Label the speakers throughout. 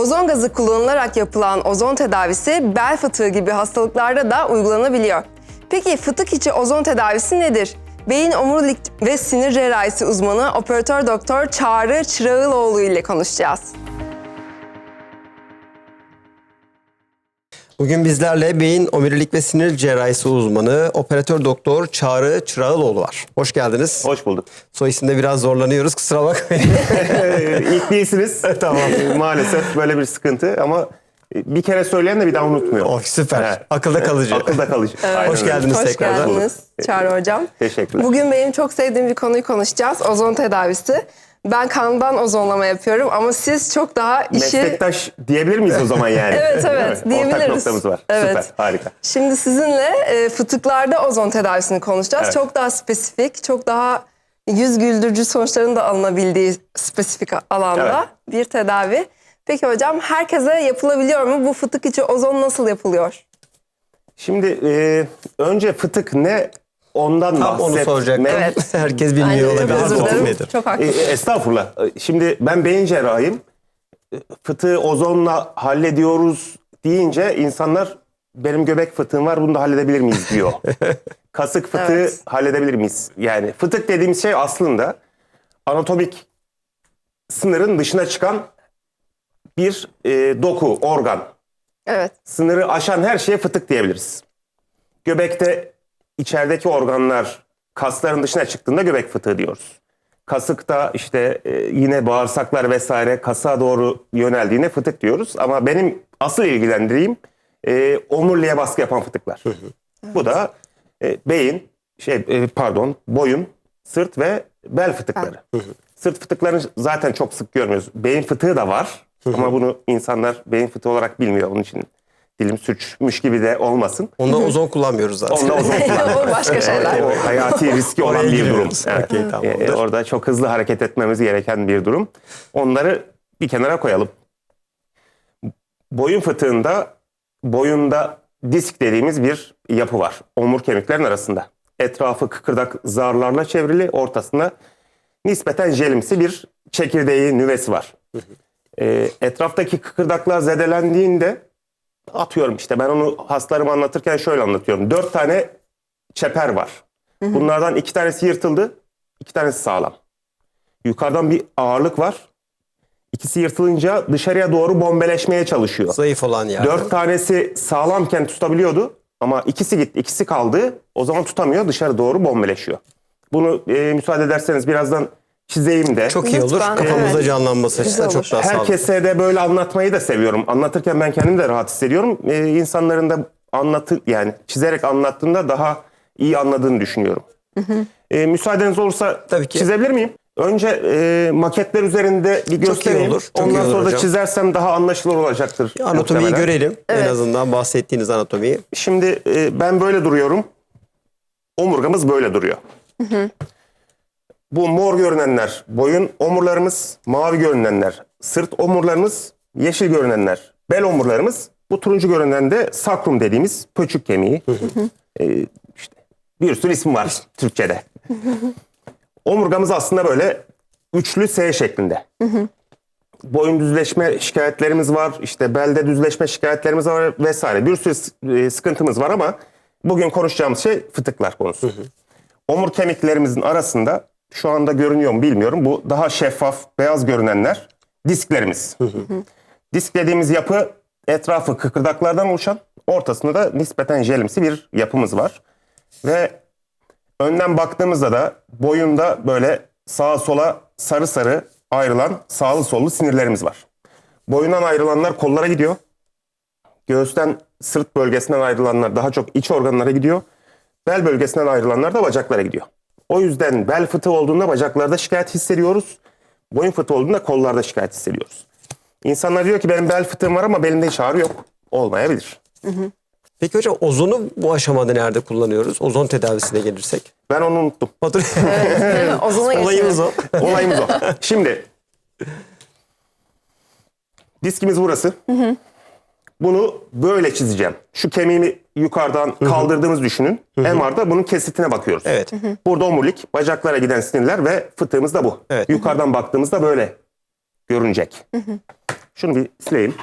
Speaker 1: Ozon gazı kullanılarak yapılan ozon tedavisi bel fıtığı gibi hastalıklarda da uygulanabiliyor. Peki fıtık içi ozon tedavisi nedir? Beyin omurilik ve sinir cerrahisi uzmanı operatör doktor Çağrı Çırağıloğlu ile konuşacağız.
Speaker 2: Bugün bizlerle beyin omurilik ve sinir cerrahisi uzmanı operatör doktor Çağrı Çırağıloğlu var. Hoş geldiniz.
Speaker 3: Hoş bulduk.
Speaker 2: Soy isimde biraz zorlanıyoruz, kusura bakmayın.
Speaker 3: İlk değilsiniz. Tamam. Maalesef böyle bir sıkıntı ama bir kere söyleyen de bir daha unutmuyor.
Speaker 2: Oh, süper.
Speaker 3: Evet.
Speaker 2: Akılda kalıcı.
Speaker 3: Akılda kalıcı.
Speaker 1: Evet.
Speaker 2: Hoş geldiniz
Speaker 1: Hoş
Speaker 2: tekrardan.
Speaker 1: geldiniz Çağrı Hocam.
Speaker 3: Teşekkürler.
Speaker 1: Bugün benim çok sevdiğim bir konuyu konuşacağız. Ozon tedavisi. Ben kandan ozonlama yapıyorum ama siz çok daha işi...
Speaker 3: Meslektaş diyebilir miyiz o zaman yani?
Speaker 1: Evet,
Speaker 3: Değil mi?
Speaker 1: diyebiliriz.
Speaker 3: Ortak noktamız var.
Speaker 1: Evet.
Speaker 3: Süper, harika.
Speaker 1: Şimdi sizinle fıtıklarda ozon tedavisini konuşacağız.
Speaker 3: Evet.
Speaker 1: Çok daha spesifik, çok daha yüz güldürücü sonuçların da alınabildiği spesifik alanda bir tedavi. Peki hocam, herkese yapılabiliyor mu? Bu fıtık içi ozon nasıl yapılıyor?
Speaker 3: Şimdi önce fıtık ne? Ondan
Speaker 2: Tam onu
Speaker 3: bahsetmek.
Speaker 2: soracaktım.
Speaker 1: Evet.
Speaker 2: Herkes bilmiyor
Speaker 1: Aynen,
Speaker 2: olabilir.
Speaker 1: çok özür
Speaker 2: Fıtık
Speaker 1: dilerim.
Speaker 2: nedir?
Speaker 1: Çok haklısın.
Speaker 3: Estağfurullah. Şimdi ben beyin cerrahıyım. Fıtığı ozonla hallediyoruz deyince insanlar benim göbek fıtığım var, bunu da halledebilir miyiz diyor. Kasık fıtığı
Speaker 1: Evet.
Speaker 3: halledebilir miyiz? Yani fıtık dediğimiz şey aslında anatomik sınırın dışına çıkan bir doku, organ.
Speaker 1: Evet.
Speaker 3: Sınırı aşan her şeye fıtık diyebiliriz. Göbekte içerideki organlar kasların dışına çıktığında göbek fıtığı diyoruz. Kasıkta işte yine bağırsaklar vesaire kasa doğru yöneldiğine fıtık diyoruz. Ama benim asıl ilgilendiğim omuriliğe baskı yapan fıtıklar. Bu da beyin, boyun, sırt ve bel fıtıkları. Sırt fıtıklarını zaten çok sık görmüyoruz. Beyin fıtığı da var ama bunu insanlar beyin fıtığı olarak bilmiyor. Onun için dilim sürçmüş gibi de olmasın.
Speaker 2: Onda ozon kullanmıyoruz zaten.
Speaker 3: Onda ozon
Speaker 1: O başka şeyler.
Speaker 3: o hayati riski olan
Speaker 2: Oraya
Speaker 3: bir durum.
Speaker 2: giriyoruz.
Speaker 3: Evet.
Speaker 2: Okey, tamamdır.
Speaker 3: Orada çok hızlı hareket etmemiz gereken bir durum. Onları bir kenara koyalım. Boyun fıtığında boyunda disk dediğimiz bir yapı var. Omur kemiklerin arasında. Etrafı kıkırdak zarlarla çevrili, ortasında nispeten jelimsi bir çekirdeği, nüvesi var. Etraftaki kıkırdaklar zedelendiğinde, atıyorum işte ben onu hastalarıma anlatırken şöyle anlatıyorum. 4 tane çeper var. Bunlardan 2 tanesi yırtıldı, 2 tanesi sağlam. Yukarıdan bir ağırlık var. İkisi yırtılınca dışarıya doğru bombeleşmeye çalışıyor.
Speaker 2: Zayıf olan yani.
Speaker 3: 4 tanesi sağlamken tutabiliyordu ama ikisi gitti, ikisi kaldı. O zaman tutamıyor, dışarı doğru bombeleşiyor. Bunu müsaade ederseniz birazdan çizeyim de.
Speaker 2: Çok iyi olur.
Speaker 1: Lütfen,
Speaker 2: Kafamızda
Speaker 1: evet.
Speaker 2: canlanması açısından
Speaker 1: Güzel
Speaker 2: çok daha sağlıklı.
Speaker 3: Herkese de böyle anlatmayı da seviyorum. Anlatırken ben kendimi de rahat hissediyorum. İnsanların da yani çizerek anlattığında daha iyi anladığını düşünüyorum. Müsaadeniz olursa
Speaker 2: Tabii ki.
Speaker 3: çizebilir miyim? Önce maketler üzerinde bir göstereyim.
Speaker 2: olur, çok iyi
Speaker 3: Ondan
Speaker 2: olur
Speaker 3: sonra da
Speaker 2: hocam.
Speaker 3: çizersem daha anlaşılır olacaktır.
Speaker 2: Anatomiyi
Speaker 3: muhtemelen.
Speaker 2: görelim. En azından bahsettiğiniz anatomiyi.
Speaker 3: Şimdi ben böyle duruyorum. Omurgamız böyle duruyor. Bu mor görünenler boyun omurlarımız, mavi görünenler sırt omurlarımız, yeşil görünenler bel omurlarımız, bu turuncu görünen de sakrum dediğimiz pöçük kemiği. İşte bir sürü isim var Türkçe'de. Omurgamız aslında böyle üçlü S şeklinde. Boyun düzleşme şikayetlerimiz var, işte belde düzleşme şikayetlerimiz var vesaire. Bir sürü sıkıntımız var ama bugün konuşacağımız şey fıtıklar konusu. Omur kemiklerimizin arasında şu anda görünüyor mu bilmiyorum. Bu daha şeffaf, beyaz görünenler disklerimiz. Disk dediğimiz yapı etrafı kıkırdaklardan oluşan, ortasında da nispeten jelimsi bir yapımız var. Ve önden baktığımızda da boyunda böyle sağa sola sarı sarı ayrılan sağlı sollu sinirlerimiz var. Boyundan ayrılanlar kollara gidiyor. Göğüsten, sırt bölgesinden ayrılanlar daha çok iç organlara gidiyor. Bel bölgesinden ayrılanlar da bacaklara gidiyor. O yüzden bel fıtığı olduğunda bacaklarda şikayet hissediyoruz. Boyun fıtığı olduğunda kollarda şikayet hissediyoruz. İnsanlar diyor ki benim bel fıtığım var ama belimde hiç ağrı yok. Olmayabilir.
Speaker 2: Peki hocam, ozonu bu aşamada nerede kullanıyoruz? Ozon tedavisine gelirsek.
Speaker 3: Ben onu unuttum.
Speaker 1: Ozona
Speaker 2: Olayımız o.
Speaker 3: Olayımız o. Şimdi diskimiz burası. Bunu böyle çizeceğim. Şu kemiğimi yukarıdan kaldırdığımız düşünün. MR'da bunun kesitine bakıyoruz.
Speaker 2: Evet.
Speaker 3: Burada omurilik, bacaklara giden sinirler ve fıtığımız da bu.
Speaker 2: Evet.
Speaker 3: Yukarıdan baktığımızda böyle görünecek. Şunu bir sileyim.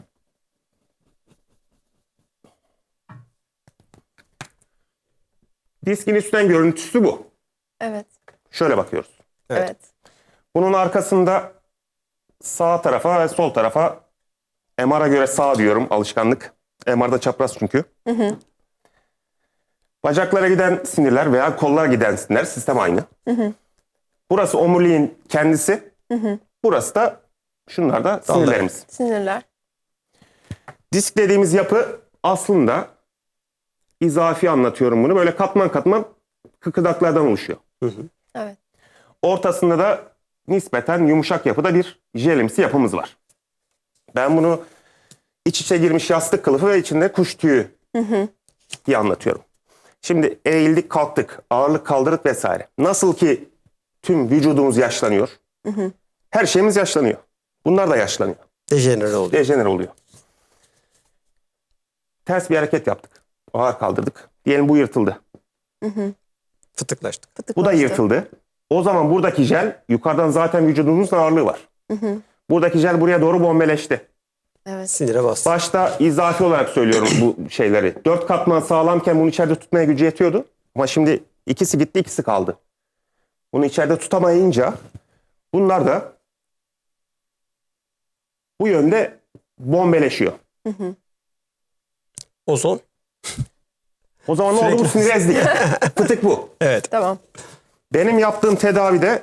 Speaker 3: Diskin üstten görüntüsü bu.
Speaker 1: Evet.
Speaker 3: Şöyle bakıyoruz.
Speaker 1: Evet.
Speaker 3: Bunun arkasında sağ tarafa ve sol tarafa, MR'a göre sağ diyorum, alışkanlık. MR'da çapraz çünkü. Bacaklara giden sinirler veya kollara giden sinirler, sistem aynı. Burası omuriliğin kendisi. Burası da şunlar da sinirlerimiz.
Speaker 1: Sinirler.
Speaker 3: Disk dediğimiz yapı aslında, izafi anlatıyorum bunu, böyle katman katman kıkırdaklardan oluşuyor.
Speaker 1: Evet.
Speaker 3: Ortasında da nispeten yumuşak yapıda bir jelimsi yapımız var. Ben bunu iç içe girmiş yastık kılıfı ve içinde kuş tüyü diye anlatıyorum. Şimdi eğildik, kalktık, ağırlık kaldırdık vesaire. Nasıl ki tüm vücudumuz yaşlanıyor, her şeyimiz yaşlanıyor. Bunlar da yaşlanıyor.
Speaker 2: Dejenere oluyor.
Speaker 3: Dejenere oluyor. Ters bir hareket yaptık. Ağır kaldırdık. Diyelim bu yırtıldı.
Speaker 2: Fıtıklaştık.
Speaker 3: Bu da
Speaker 1: Fıtıklaştı.
Speaker 3: yırtıldı. O zaman buradaki jel, yukarıdan zaten vücudumuzun ağırlığı var. Buradaki jel buraya doğru bombeleşti.
Speaker 1: Evet.
Speaker 2: Sinire bastı.
Speaker 3: Başta izafi olarak söylüyorum bu şeyleri. 4 katman sağlamken bunu içeride tutmaya gücü yetiyordu. Ama şimdi ikisi gitti, ikisi kaldı. Bunu içeride tutamayınca bunlar da bu yönde bombeleşiyor.
Speaker 2: Ozon.
Speaker 3: O zaman ne oldu? Bu sinir ezdik. Fıtık bu.
Speaker 2: Evet.
Speaker 1: Tamam.
Speaker 3: Benim yaptığım tedavide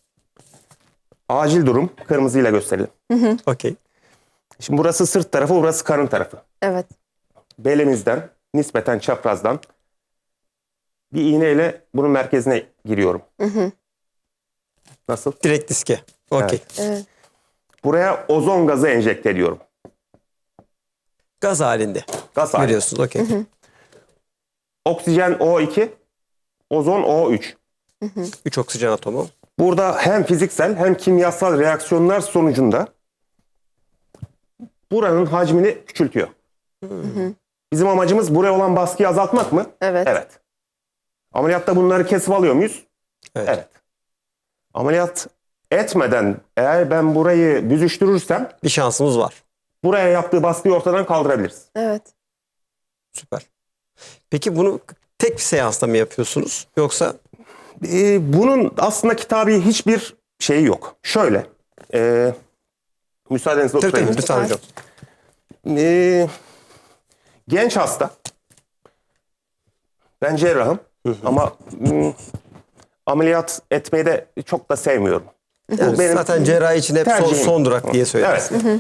Speaker 3: acil durum, kırmızıyla gösterelim.
Speaker 2: Okey.
Speaker 3: Şimdi burası sırt tarafı, burası karın tarafı.
Speaker 1: Evet.
Speaker 3: Belimizden, nispeten çaprazdan bir iğneyle bunun merkezine giriyorum. Nasıl?
Speaker 2: Direkt diske. Okey.
Speaker 1: Evet.
Speaker 3: Buraya ozon gazı enjekte ediyorum.
Speaker 2: Gaz halinde.
Speaker 3: Gaz halinde.
Speaker 2: Biliyorsunuz. Okey.
Speaker 3: Oksijen O2, ozon O3.
Speaker 2: 3 oksijen atomu.
Speaker 3: Burada hem fiziksel hem kimyasal reaksiyonlar sonucunda buranın hacmini küçültüyor. Bizim amacımız buraya olan baskıyı azaltmak mı?
Speaker 1: Evet.
Speaker 3: Evet. Ameliyatta bunları kesip alıyor muyuz?
Speaker 2: Evet.
Speaker 3: Ameliyat etmeden eğer ben burayı büzüştürürsem
Speaker 2: Bir şansımız var.
Speaker 3: buraya yaptığı baskıyı ortadan kaldırabiliriz.
Speaker 1: Evet.
Speaker 2: Süper. Peki bunu tek bir seansta mı yapıyorsunuz? Yoksa
Speaker 3: Bunun aslında kitabi hiçbir şeyi yok. Şöyle. Müsaadenizle
Speaker 2: tabii
Speaker 3: oturayım.
Speaker 2: tabii lütfen hocam.
Speaker 3: Genç hasta. Ben cerrahım. Ama ameliyat etmeyi de çok da sevmiyorum.
Speaker 2: Yani zaten cerrahi için hep
Speaker 3: tercihim.
Speaker 2: son durak diye söyleriz.
Speaker 3: Evet.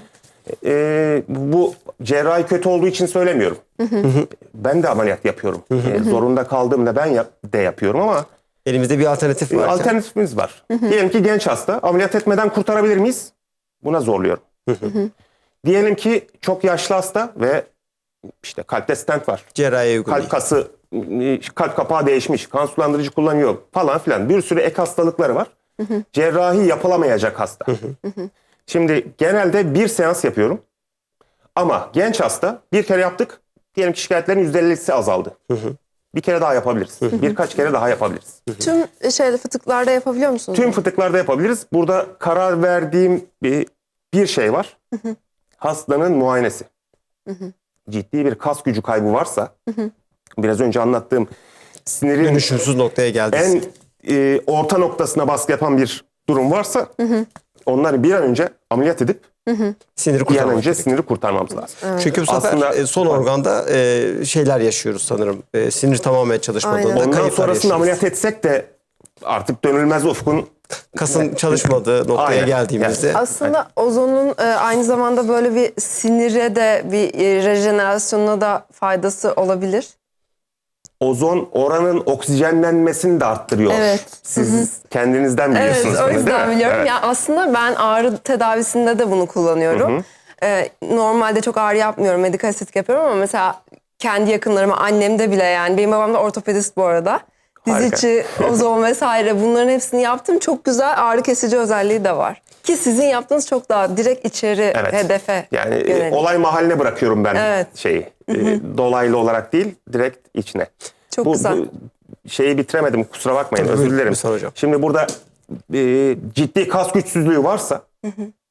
Speaker 3: Bu cerrahi kötü olduğu için söylemiyorum. Ben de ameliyat yapıyorum. Zorunda kaldığımda ben de yapıyorum ama
Speaker 2: Elimizde bir alternatif var.
Speaker 3: alternatifimiz var. Diyelim ki genç hasta, ameliyat etmeden kurtarabilir miyiz? Buna zorluyorum. Diyelim ki çok yaşlı hasta ve işte kalpte stent var.
Speaker 2: Cerrahi uygulamayı.
Speaker 3: Kalp kası, kalp kapağı değişmiş, kan sulandırıcı kullanıyor falan filan. Bir sürü ek hastalıkları var. Cerrahi yapılamayacak hasta. Şimdi genelde bir seans yapıyorum. Ama genç hasta bir kere yaptık. Diyelim ki şikayetlerin %50'si azaldı. Bir kere daha yapabiliriz. Birkaç kere daha yapabiliriz.
Speaker 1: Tüm fıtıklarda yapabiliyor musunuz?
Speaker 3: Tüm fıtıklarda yapabiliriz. Burada karar verdiğim bir şey var. Hastanın muayenesi. Ciddi bir kas gücü kaybı varsa, biraz önce anlattığım sinirin
Speaker 2: Dönüşümsüz noktaya geldiniz.
Speaker 3: en orta noktasına baskı yapan bir durum varsa, onları bir an önce ameliyat edip
Speaker 2: Siniri
Speaker 3: bir an
Speaker 2: kurtarmak
Speaker 3: önce
Speaker 2: gerekiyor.
Speaker 3: siniri kurtarmamız lazım.
Speaker 2: Çünkü bu sefer
Speaker 3: Aslında-
Speaker 2: son organda şeyler yaşıyoruz sanırım. Sinir tamamen çalışmadığında
Speaker 1: Aynen.
Speaker 3: Ondan
Speaker 2: kayıplar
Speaker 3: sonrasında
Speaker 2: yaşıyoruz.
Speaker 3: ameliyat etsek de artık dönülmez ufkun
Speaker 2: Kasın çalışmadığı noktaya
Speaker 3: Aynen.
Speaker 2: geldiğimizde
Speaker 1: Aslında ozonun aynı zamanda böyle bir sinire de bir rejenerasyonuna da faydası olabilir.
Speaker 3: ozon oranın oksijenlenmesini de arttırıyor.
Speaker 1: Evet.
Speaker 3: Siz kendinizden
Speaker 1: Evet,
Speaker 3: biliyorsunuz.
Speaker 1: o
Speaker 3: bunu, değil
Speaker 1: yüzden
Speaker 3: mi?
Speaker 1: biliyorum.
Speaker 3: Evet.
Speaker 1: Ya aslında ben ağrı tedavisinde de bunu kullanıyorum. Normalde çok ağrı yapmıyorum, medikal estetik yapıyorum ama mesela kendi yakınlarıma, annemde bile yani. Benim babam da ortopedist bu arada. Diz
Speaker 3: Harika.
Speaker 1: içi, ozon vesaire bunların hepsini yaptım. Çok güzel ağrı kesici özelliği de var. Ki sizin yaptığınız çok daha direkt içeri
Speaker 3: Evet.
Speaker 1: hedefe
Speaker 3: Yani
Speaker 1: yönelik.
Speaker 3: olay mahalline bırakıyorum ben
Speaker 1: Evet.
Speaker 3: şeyi. Dolaylı olarak değil, direkt içine.
Speaker 1: Çok güzel.
Speaker 3: Bu şeyi bitiremedim, kusura bakmayın,
Speaker 2: Buyurun,
Speaker 3: özür dilerim.
Speaker 2: lütfen hocam.
Speaker 3: Şimdi burada ciddi kas güçsüzlüğü varsa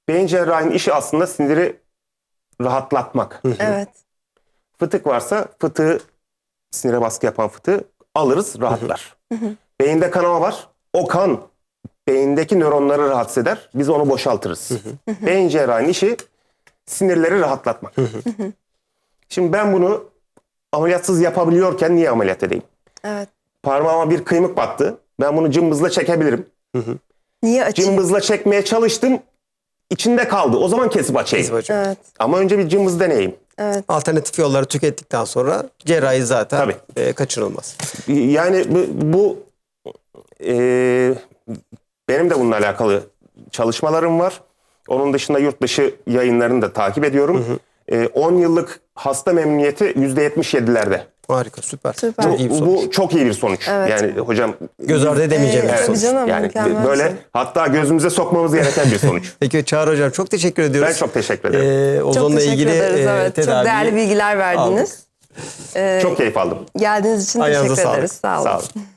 Speaker 3: Beyin cerrahinin işi aslında siniri rahatlatmak.
Speaker 1: Evet.
Speaker 3: Fıtık varsa fıtığı, sinire baskı yapan fıtığı alırız, rahatlar. Beyinde kanama var. O kan beyindeki nöronları rahatsız eder. Biz onu boşaltırız. Beyin cerrahinin işi sinirleri rahatlatmak. Şimdi ben bunu ameliyatsız yapabiliyorken niye ameliyat edeyim?
Speaker 1: Evet.
Speaker 3: Parmağıma bir kıymık battı. Ben bunu cımbızla çekebilirim.
Speaker 1: Niye açayım?
Speaker 3: Cımbızla çekmeye çalıştım. İçinde kaldı. O zaman kesip açayım.
Speaker 2: Kesip açayım.
Speaker 1: Evet.
Speaker 3: Ama önce bir cımbız deneyeyim.
Speaker 1: Evet.
Speaker 2: Alternatif yolları tükettikten sonra cerrahi zaten kaçınılmaz.
Speaker 3: Yani bu benim de bununla alakalı çalışmalarım var. Onun dışında yurt dışı yayınlarını da takip ediyorum. 10 yıllık hasta memnuniyeti %77'lerde.
Speaker 2: Harika, süper.
Speaker 1: Süper.
Speaker 2: Çok iyi bir sonuç.
Speaker 3: Bu çok iyi bir sonuç.
Speaker 1: Evet.
Speaker 3: Yani hocam
Speaker 2: Göz ardı edemeyeceğim bir
Speaker 1: tabii
Speaker 2: sonuç.
Speaker 1: canım.
Speaker 3: yani
Speaker 1: mükemmel
Speaker 3: böyle
Speaker 1: bir şey.
Speaker 3: hatta gözümüze sokmamız gereken bir sonuç.
Speaker 2: Peki Çağrı Hocam çok teşekkür ediyoruz.
Speaker 3: Ben çok teşekkür ederim.
Speaker 1: Çok
Speaker 2: Ozonla
Speaker 1: teşekkür
Speaker 2: ilgili
Speaker 1: ederiz. Evet. Çok
Speaker 2: tedaviyi
Speaker 1: değerli bilgiler verdiniz.
Speaker 3: Çok keyif aldım.
Speaker 1: Geldiğiniz için
Speaker 2: Ayağınıza
Speaker 1: teşekkür
Speaker 2: sağlık.
Speaker 1: ederiz. Sağ olun.
Speaker 3: Sağ olun.